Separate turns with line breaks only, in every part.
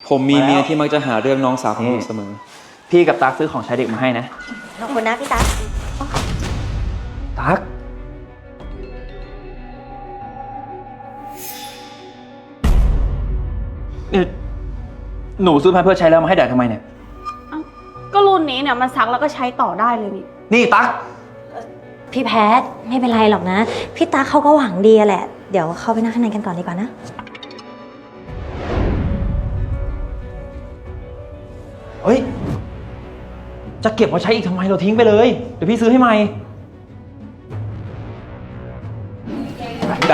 ผมมีเมียที่มักจะหาเรื่องน้องสาวของผมเสมอพี่กับตั๊กซื้อของใช้เด็กมาให้นะ
ขอบคุณนะพี่ตั๊ก
ตั๊กเนี่ยหนูซื้อมาเพื่อใช้แล้วมาให้แดดทำไมเนี่ย
ก็รุ่นนี้เนี่ยมันซักแล้วก็ใช้ต่อได้เลย
นี่ตั๊ก
พี่แพทไม่เป็นไรหรอกนะพี่ตั๊กเขาก็หวังดีแหละเดี๋ยวเข้าไปนั่งข้างในกันก่อนดีกว่านะ
เฮ้ยจะเก็บมาใช้อีกทำไมเราทิ้งไปเลยเดี๋ยวพี่ซื้อให้ใหม่ไหน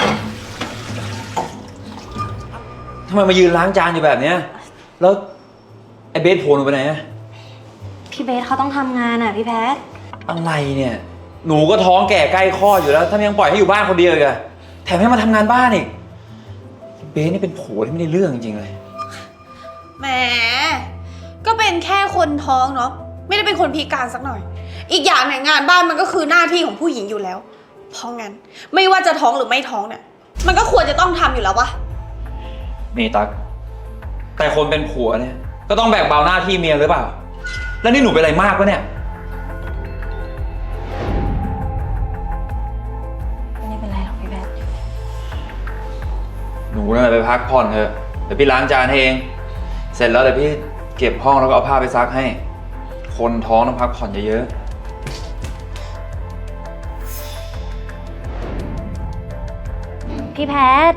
ทำไมมายืนล้างจานอยู่แบบเนี้ยแล้วไอ้เบสโผล่ลงไปไหนอะ
พี่เบสเขาต้องทำงานอ่ะพี่แพท
อะไรเนี่ยหนูก็ท้องแก่ใกล้คลอดอยู่แล้วถ้ายังปล่อยให้อยู่บ้านคนเดียวอีกอะแถมให้มาทำงานบ้านอีกเบสนี่เป็นผัวที่ไม่ได้เรื่องจริงๆเลย
แหมก็เป็นแค่คนท้องเนาะไม่ได้เป็นคนพิการสักหน่อยอีกอย่างเนี่ยงานบ้านมันก็คือหน้าที่ของผู้หญิงอยู่แล้วเพราะงั้นไม่ว่าจะท้องหรือไม่ท้องเนี่ยมันก็ควรจะต้องทำอยู่แล้ววะ
นี่ตั๊กแต่คนเป็นผัวเนี่ยก็ต้องแบกเบาหน้าที่เมียหรือเปล่าแล้วนี่หนูเป็นอะไรมากวะเนี่ย
ไม่เป็นไรหรอกพี่แพท
หนูน่ะไปพักผ่อนเถอะเดี๋ยวพี่ล้างจานให้เองเสร็จแล้วเดี๋ยวพี่เก็บห้องแล้วก็เอาผ้าไปซักให้คนท้องต้องพักผ่อนเยอะ
ๆพี่แพท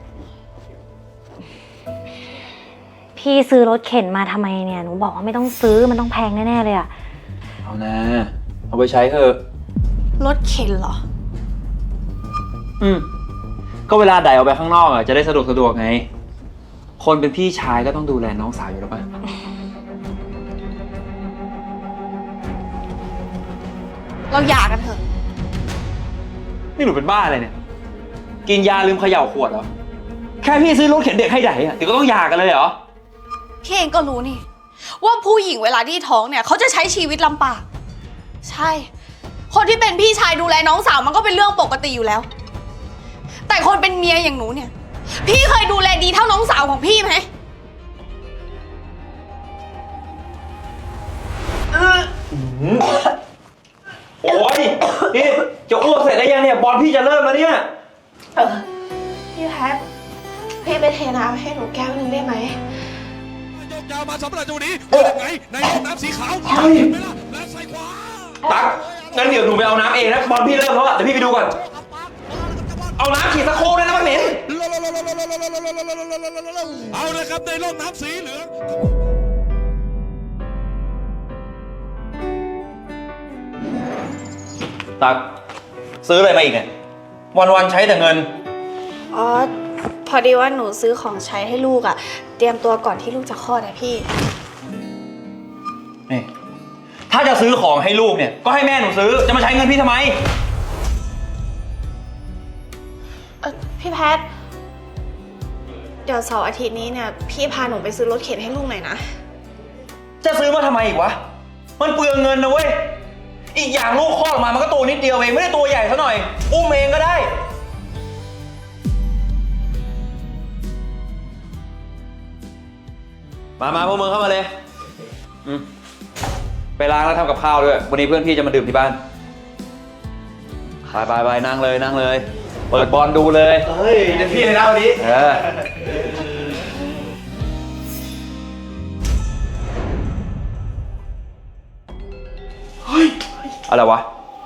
พี่ซื้อรถเข็นมาทำไมเนี่ยหนูบอกว่าไม่ต้องซื้อมันต้องแพงแน่ๆเลยอะ
เอานะเอาไปใช้เถอะ
รถเข็นเหรอ
ก็เวลาไดเอาไปข้างนอกอ่ะจะได้สะดวกไงคนเป็นพี่ชายก็ต้องดูแลน้องสาวอยู่แล้วป่ะ
เราหย่ากันเถอะ
นี่หนูเป็นบ้าอะไรเนี่ยกินยาลืมเขย่าขวดเหรอแค่พี่ซื้อรถเข็นเด็กให้ไดอ่ะเดี๋ยวก็ต้องหย่ากันเลยเหรอ
พี่เองก็รู้นี่ว่าผู้หญิงเวลาที่ท้องเนี่ยเขาจะใช้ชีวิตลำบากใช่คนที่เป็นพี่ชายดูแลน้องสาวมันก็เป็นเรื่องปกติอยู่แล้วแต่คนเป็นเมียอย่างหนูเนี่ยพี่เคยดูแลดีเท่าน้องสาวของพี่ไหม
โอ้ยนี่จะอ้วกเสร็จได้ยังเนี่ยบอลพี่จะเริ่มแล้วเนี่ย
พี่แพทพี่ไปเทน้ำให้หนูแก้วนึงได้ไหม
ยาวมาสำหรับตัวนี้เป็นยังไงในน้ำสีขาวใช่ไหมล่ะและใส่ขวา
ตั๊กงั้นเดี๋ยวหนูไปเอาน้ำเองนะบอลพี่เริ่มแล้วเดี๋ยวพี่ไปดูก่อนเอาน้ำขีดสะโครกเลยนะมันเหม็น
เอาเลยครับในร่องน้ำสีเหลือง
ตั๊กซื้ออะไรมาอีกเนี่ยวันๆใช้แต่เงิน
อ๋อพอดีว่าหนูซื้อของใช้ให้ลูกอะเตรียมตัวก่อนที่ลูกจะคลอดนะพี่
นี่ถ้าจะซื้อของให้ลูกเนี่ยก็ให้แม่หนูซื้อจะมาใช้เงินพี่ทำไม
พี่แพทเดี๋ยวเสาร์อาทิตย์นี้เนี่ยพี่พาหนูไปซื้อรถเข็นให้ลูกหน่อยนะ
จะซื้อมาทำไมอีกวะมันเปลืองเงินนะเว้ยอีกอย่างลูกคลอดออกมามันก็ตัวนิดเดียวเองไม่ได้ตัวใหญ่ซะหน่อยอุ้มเองก็ได้มาพวกมึงเข้ามาเลยไปล้างแล้วทำกับข้าวด้วยวันนี้เพื่อนพี่จะมาดื่มที่บ้านไปนั่งเลยเปิดบอลดูเลย
เฮ้ยเดี๋ยวพี่เลยนะวันนี้
เฮ้ยอะไรวะ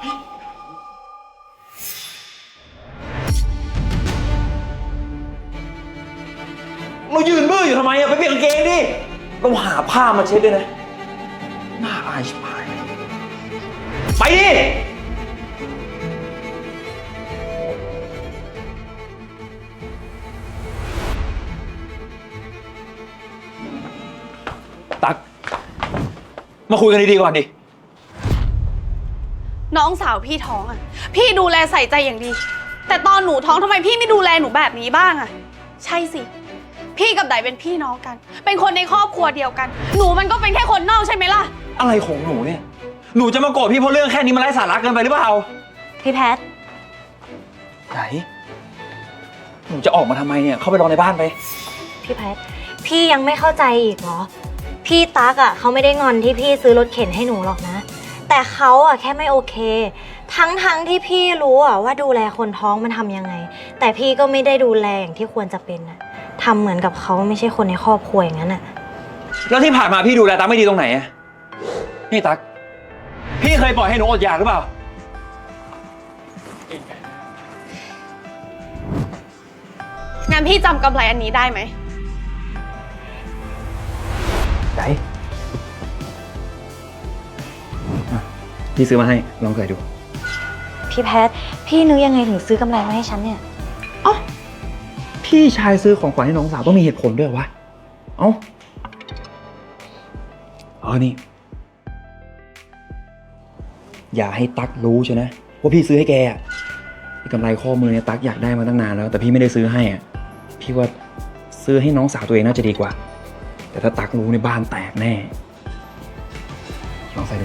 เรายืนบื้ออยู่ทำไมอะไปเปลี่ยนกางเกงดิเราหาผ้ามาเช็ดด้วยนะน่าอายชิบหายไปดิตั๊กมาคุยกันดีๆก่อนดิ
น้องสาวพี่ท้องอะพี่ดูแลใส่ใจอย่างดีแต่ตอนหนูท้องทำไมพี่ไม่ดูแลหนูแบบนี้บ้างอะใช่สิพี่กับไดเป็นพี่น้องกันเป็นคนในครอบครัวเดียวกันหนูมันก็เป็นแค่คนนอกใช่ไหมล่ะ
อะไรของหนูเนี่ยหนูจะมาโกรธพี่เพราะเรื่องแค่นี้มันไร้สาระเกินไปหรือเปล่า
พี่แพท
ไหนหนูจะออกมาทำไมเนี่ยเข้าไปรอในบ้านไป
พี่แพทพี่ยังไม่เข้าใจอีกเหรอ พี่ตั๊กอ่ะเขาไม่ได้งอนที่พี่ซื้อรถเข็นให้หนูหรอกนะ แต่เขาอ่ะแค่ไม่โอเค ทั้งที่พี่รู้อ่ะว่าดูแลคนท้องมันทำยังไง แต่พี่ก็ไม่ได้ดูแลอย่างที่ควรจะเป็นอ่ะทำเหมือนกับเขาไม่ใช่คนในครอบครัวอย่างนั้นอ่ะ
แล้วที่ผ่านมาพี่ดูแลตั๊กไม่ดีตรงไหนอะนี่ตั๊กพี่เคยปล่อยให้หนูอดอยากหรือเปล่า
งั้นพี่จำกำไรอันนี้ได้ไหม
ไหนพี่ซื้อมาให้ลองใส่ดู
พี่แพทพี่นึกยังไงถึงซื้อกำไรมาให้ฉันเนี่ย
พี่ชายซื้อของขวัญให้น้องสาวต้องมีเหตุผลด้วยวะนี่ อย่าให้ตั๊กรู้ใช่นะว่าพี่ซื้อให้แกอะกำไรข้อมือเนี่ยตั๊กอยากได้มาตั้งนานแล้วแต่พี่ไม่ได้ซื้อให้อะพี่ว่าซื้อให้น้องสาวตัวเองน่าจะดีกว่า แต่ถ้าตั๊กรู้ในบ้านแตกแน่ลองใส่ดู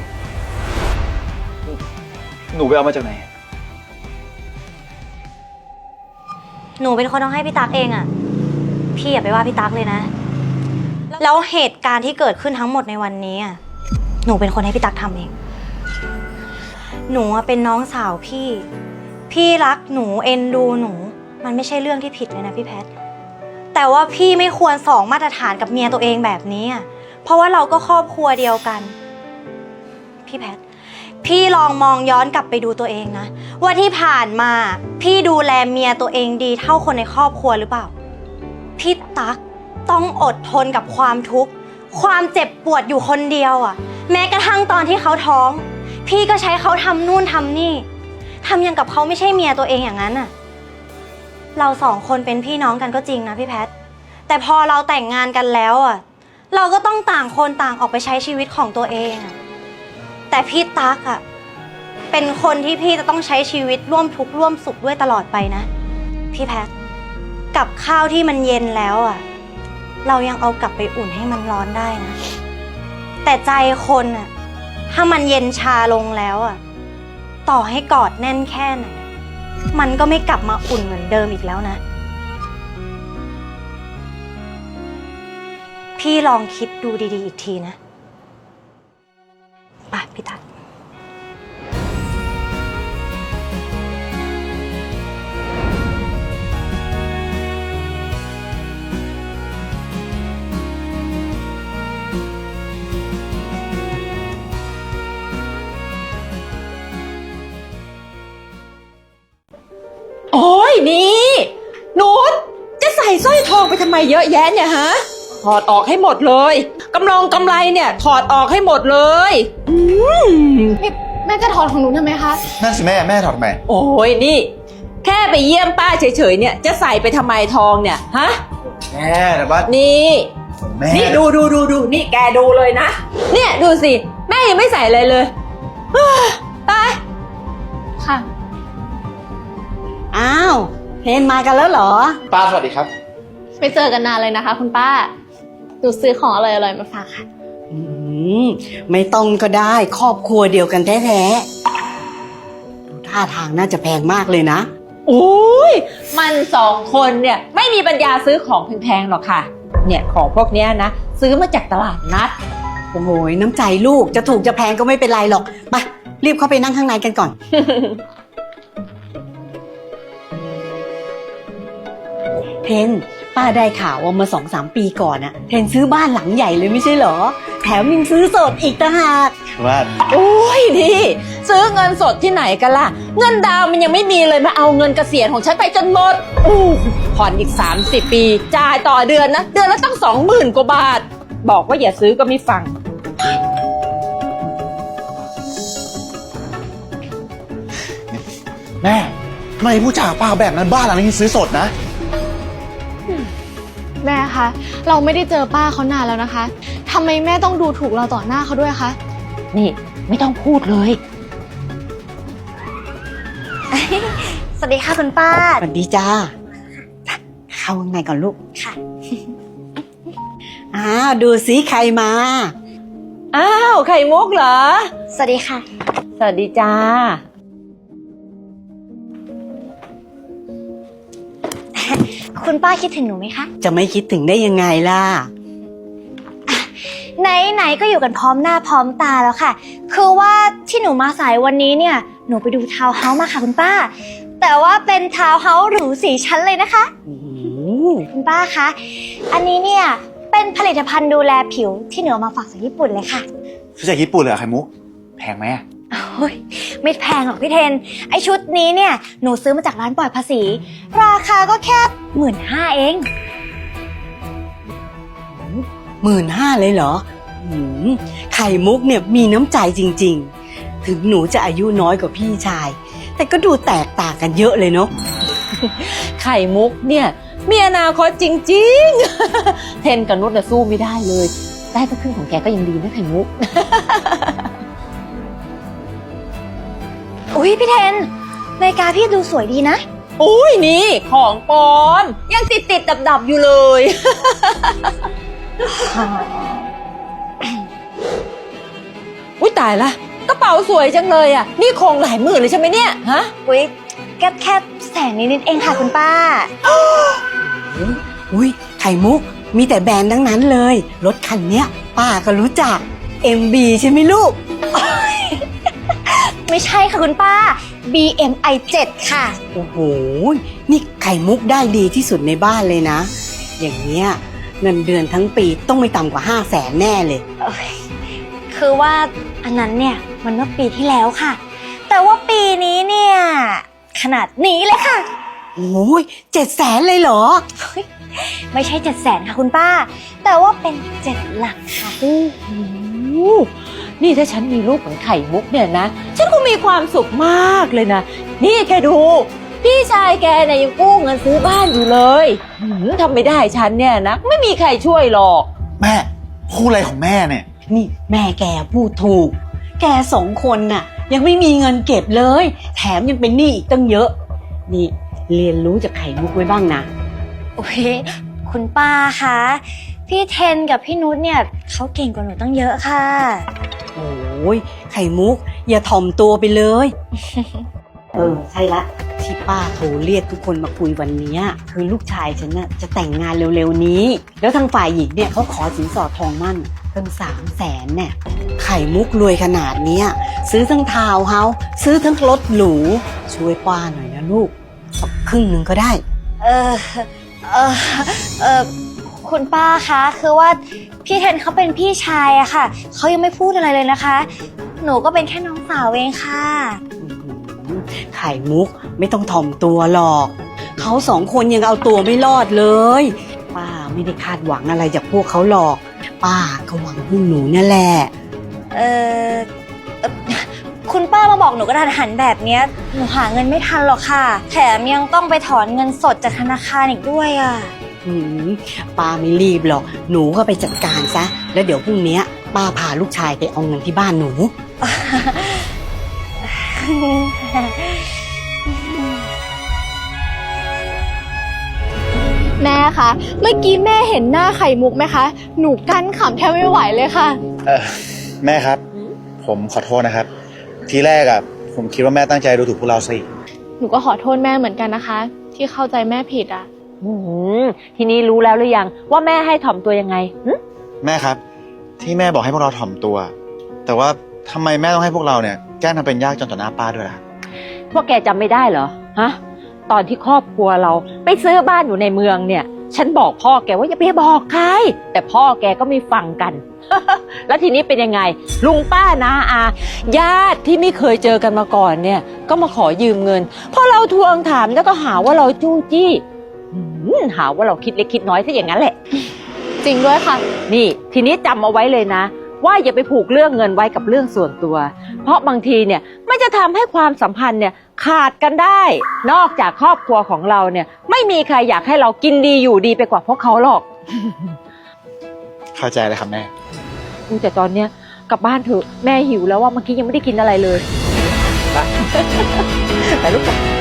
หนูไปเอามาจากไหน
หนูเป็นคนต้องให้พี่ตั๊กเองอะพี่อย่าไปว่าพี่ตั๊กเลยนะ แล้วเหตุการณ์ที่เกิดขึ้นทั้งหมดในวันนี้อะหนูเป็นคนให้พี่ตั๊กทำเอง หนูเป็นน้องสาวพี่รักหนูเอ็นดูหนู มันไม่ใช่เรื่องที่ผิดเลยนะพี่แพท แต่ว่าพี่ไม่ควรสองมาตรฐานกับเมียตัวเองแบบนี้อะเพราะว่าเราก็ครอบครัวเดียวกัน พี่แพท พี่ลองมองย้อนกลับไปดูตัวเองนะว่าที่ผ่านมาพี่ดูแลเมียตัวเองดีเท่าคนในครอบครัวหรือเปล่าพี่ตั๊กต้องอดทนกับความทุกข์ความเจ็บปวดอยู่คนเดียวอ่ะแม้กระทั่งตอนที่เขาท้องพี่ก็ใช้เขาทำนู่นทำนี่ทำอย่างกับเขาไม่ใช่เมียตัวเองอย่างนั้นอ่ะเราสองคนเป็นพี่น้องกันก็จริงนะพี่แพทแต่พอเราแต่งงานกันแล้วอ่ะเราก็ต้องต่างคนต่างออกไปใช้ชีวิตของตัวเองอ่ะแต่พี่ตั๊กอ่ะเป็นคนที่พี่จะต้องใช้ชีวิตร่วมทุกข์ร่วมสุขด้วยตลอดไปนะพี่แพทกับข้าวที่มันเย็นแล้วอ่ะเรายังเอากลับไปอุ่นให้มันร้อนได้นะแต่ใจคนอ่ะถ้ามันเย็นชาลงแล้วอ่ะต่อให้กอดแน่นแค่ไหนมันก็ไม่กลับมาอุ่นเหมือนเดิมอีกแล้วนะพี่ลองคิดดูดีๆอีกทีนะไปพี่ตั๊ก
โอ้ยนี่นุชจะใส่สร้อยทองไปทำไมเยอะแยะเนี่ยฮะถอดออกให้หมดเลยกำไรเนี่ยถอดออกให้หมดเลย
แม่จะถอดของหนูทำไมคะ
นั่นสิแม่ถอดทำไม
โอ้ยนี่แค่ไปเยี่ยมป้าเฉยๆเนี่ยจะใส่ไปทำไมทองเนี่ยฮะ
แม่แต่ว่า
นี่
แม่
นี่ดูนี่แกดูเลยนะเนี่ยดูสิแม่ยังไม่ใส่อะไรเลยตาย
ค่ะ
อ้าวเพนมากันแล้วเหรอ
ป้าสวัสดีครับ
ไปเจอกันนานเลยนะคะคุณป้า หนูซื้อของอร่อยๆมาฝากค่ะ
อืมไม่ต้องก็ได้ครอบครัวเดียวกันแท้ๆดูท่าทางน่าจะแพงมากเลยนะ
โอ้ยมันสองคนเนี่ยไม่มีปัญญาซื้อของแพงๆหรอกค่ะเนี่ยของพวกเนี้ยนะซื้อมาจากตลาดนัด
โอ้โหน้ำใจลูกจะถูกจะแพงก็ไม่เป็นไรหรอกไปรีบเข้าไปนั่งข้างในกันก่อน เพนป้าได้ข่าวว่าเมื่อ2-3 ปีก่อนอะเพนซื้อบ้านหลังใหญ่เลยไม่ใช่เหรอแถมยังซื้อสดอีกต่างหาก
ว่า
โอ้ยนี่ซื้อเงินสดที่ไหนกันล่ะเงินดาวน์มันยังไม่มีเลยมาเอาเงินเกษียณของฉันไปจนหมดผ่อนอีก30 ปีจ่ายต่อเดือนนะเดือนละตั้ง20,000 กว่าบาทบอกว่าอย่าซื้อก็ไม่ฟัง
แม่ทำไมผู้จ่าป้าแบบนั้นบ้านหลังนี้ซื้อสดนะ
แม่คะ เราไม่ได้เจอป้าเขานานแล้วนะคะทำไมแม่ต้องดูถูกเราต่อหน้าเขาด้วยคะ
นี่ไม่ต้องพูดเลย
สวัสดีค่ะคุณป้า
สวัสดีจ้าเข้าข้างในก่อนลูก
ค่ะ
อ้าวดูสิใครมา
อ้าวไข่มุกเหรอ
สวัสดีค่ะ
สวัสดีจ้า
คุณป้าคิดถึงหนูไหมคะ
จะไม่คิดถึงได้ยังไงล่ะ
ไหนๆก็อยู่กันพร้อมหน้าพร้อมตาแล้วค่ะ คือว่าที่หนูมาสายวันนี้เนี่ย หนูไปดูทาวน์เฮาส์มาค่ะคุณป้า แต่ว่าเป็นทาวน์เฮาส์หรู4 ชั้นเลยนะคะ
โอ้โห
คุณป้าคะ อันนี้เนี่ยเป็นผลิตภัณฑ์ดูแลผิวที่หนูเอามาฝากจากญี่ปุ่นเลยค่ะ
ซื้อจากญี่ปุ่นเลยเหรอไข่มุก แพงไหมอะ
โอ้ยไม่แพงหรอกพี่เทน ไอชุดนี้เนี่ยหนูซื้อมาจากร้านปลอดภาษี ราคาก็แค่15,000เอง
15,000เลยเหรอหืมไข่มุกเนี่ยมีน้ำใจจริงๆ ถึงหนูจะอายุน้อยกว่าพี่ชาย แต่ก็ดูแตกต่างกันเยอะเลยเนาะ
ไข่มุกเนี่ยมีอนาคตจริงๆ เทนกับนุชน่ะสู้ไม่ได้เลย ได้สักครึ่งของแกก็ยังดีนะไข่มุก
อุ้ยพี่เทนนาฬิกาพี่ดูสวยดีนะ
อุ้ยนี่ของปลอม ยังติดดับอยู่เลย อุ้ยตายละกระเป๋าสวยจังเลยอ่ะ นี่คงหลายหมื่นเลยใช่ไหมเนี่ยฮะ
อุ้ยแค่แสนนิดๆเองค่ะคุณป้า
อุ้ยไข่มุกมีแต่แบรนด์ทั้งนั้นเลย รถคันเนี้ย ป้าก็รู้จัก MB ใช่ไหมลูก
ไม่ใช่ค่ะคุณป้า BMI 7 ค่ะ
โอ้โห นี่ไข่มุกได้ดีที่สุดในบ้านเลยนะ อย่างเนี้ยเงินเดือนทั้งปีต้องไม่ต่ำกว่า500,000แน่เลย
คือว่าอันนั้นเนี่ยมันเมื่อปีที่แล้วค่ะ แต่ว่าปีนี้เนี่ยขนาดนี้เลยค่ะ
โอ้ย700,000เลยเหรอ
ไม่ใช่700,000ค่ะคุณป้า แต่ว่าเป็น7 หลักค่ะ
โอ้โหนี่ถ้าฉันมีลูกเหมือนไข่มุกเนี่ยนะ ฉันก็มีความสุขมากเลยนะ นี่แกดู พี่ชายแกเนี่ยยังกู้เงินซื้อบ้านอยู่เลยทำไม่ได้ฉันเนี่ยนะ ไม่มีใครช่วยหรอก
แม่พูดอะไรของแม่เนี่ย
นี่แม่แกพูดถูก แก2 คนน่ะ ยังไม่มีเงินเก็บเลย แถมยังเป็นหนี้อีกตั้งเยอะ นี่เรียนรู้จากไข่มุกไว้บ้างนะ
โอ้ยคุณป้าคะพี่เทนกับพี่นุชเนี่ยเขาเก่งกว่าหนูตั้งเยอะค่ะ
โอ้ยไข่มุก อย่าถ่อมตัวไปเลย ใช่ละ ที่ป้าโทรเรียกทุกคนมาคุยวันเนี้ยคือลูกชายฉันน่ะจะแต่งงานเร็วๆนี้ แล้วทางฝ่ายหญิงเนี่ยเขาขอสินสอดทองมั่นตั้ง300,000เนี่ยไข่มุกรวยขนาดเนี้ยซื้อทั้งทาวน์เฮาส์ซื้อทั้งรถหรูช่วยป้าหน่อยนะลูกสักครึ่งหนึ่งก็ได้
เออเออเออคุณป้าคะคือว่าพี่เทนเขาเป็นพี่ชายอะค่ะเขายังไม่พูดอะไรเลยนะคะ หนูก็เป็นแค่น้องสาวเองค่ะ
ไข่มุกไม่ต้องถ่อมตัวหรอกเขา2 คนยังเอาตัวไม่รอดเลย ป้าไม่ได้คาดหวังอะไรจากพวกเขาหรอก ป้าก็หวังพวกหนูนั่นแหละ
เออคุณป้ามาบอกหนูกระทันหันแบบเนี้ยหนูหาเงินไม่ทันหรอกค่ะ แถมยังต้องไปถอนเงินสดจากธนาคารอีกด้วยอะ
ป้าไม่รีบหรอกหนูก็ไปจัดการซะแล้วเดี๋ยวพรุ่งนี้ป้าพาลูกชายไปเอาเงินที่บ้านหนู
แม่คะ เมื่อกี้แม่เห็นหน้าไข่มุกไหมคะ หนูกั้นขำแทบไม่ไหวเลยค่ะ
แม่ครับ ผมขอโทษนะครับ ทีแรกอะผมคิดว่าแม่ตั้งใจดูถูกพวกเราสิ
หนูก็ขอโทษแม่เหมือนกันนะคะ ที่เข้าใจแม่ผิดอ่ะ
ทีนี้รู้แล้วหรือยังว่าแม่ให้ถ่อมตัวยังไง
แม่ครับ ที่แม่บอกให้พวกเราถ่อมตัว แต่ว่าทำไมแม่ต้องให้พวกเราเนี่ยแกล้งทำเป็นยากจนต่อหน้าป้าด้วยล่ะ
พวกแกจำไม่ได้เหรอ ฮะ ตอนที่ครอบครัวเราไปซื้อบ้านอยู่ในเมืองเนี่ย ฉันบอกพ่อแกว่าอย่าไปบอกใคร แต่พ่อแกก็ไม่ฟังกัน แล้วทีนี้เป็นยังไง ลุงป้านาอาญาติที่ไม่เคยเจอกันมาก่อนเนี่ย ก็มาขอยืมเงิน พอเราทวงถามแล้วก็หาว่าเราจู้จี้หาว่าเราคิดเล็กคิดน้อยซะอย่างนั้นแหละ
จริงด้วยค่ะ
นี่ทีนี้จำเอาไว้เลยนะ ว่าอย่าไปผูกเรื่องเงินไว้กับเรื่องส่วนตัว เพราะบางทีเนี่ยมันจะทำให้ความสัมพันธ์เนี่ยขาดกันได้ นอกจากครอบครัวของเราเนี่ยไม่มีใครอยากให้เรากินดีอยู่ดีไปกว่าพวกเขาหรอก
เข้าใจเลยครับแม่
แต่ตอนเนี้ยกลับบ้านเถอะแม่หิวแล้วว่าเมื่อกี้ยังไม่ได้กินอะไรเลย ไปลูก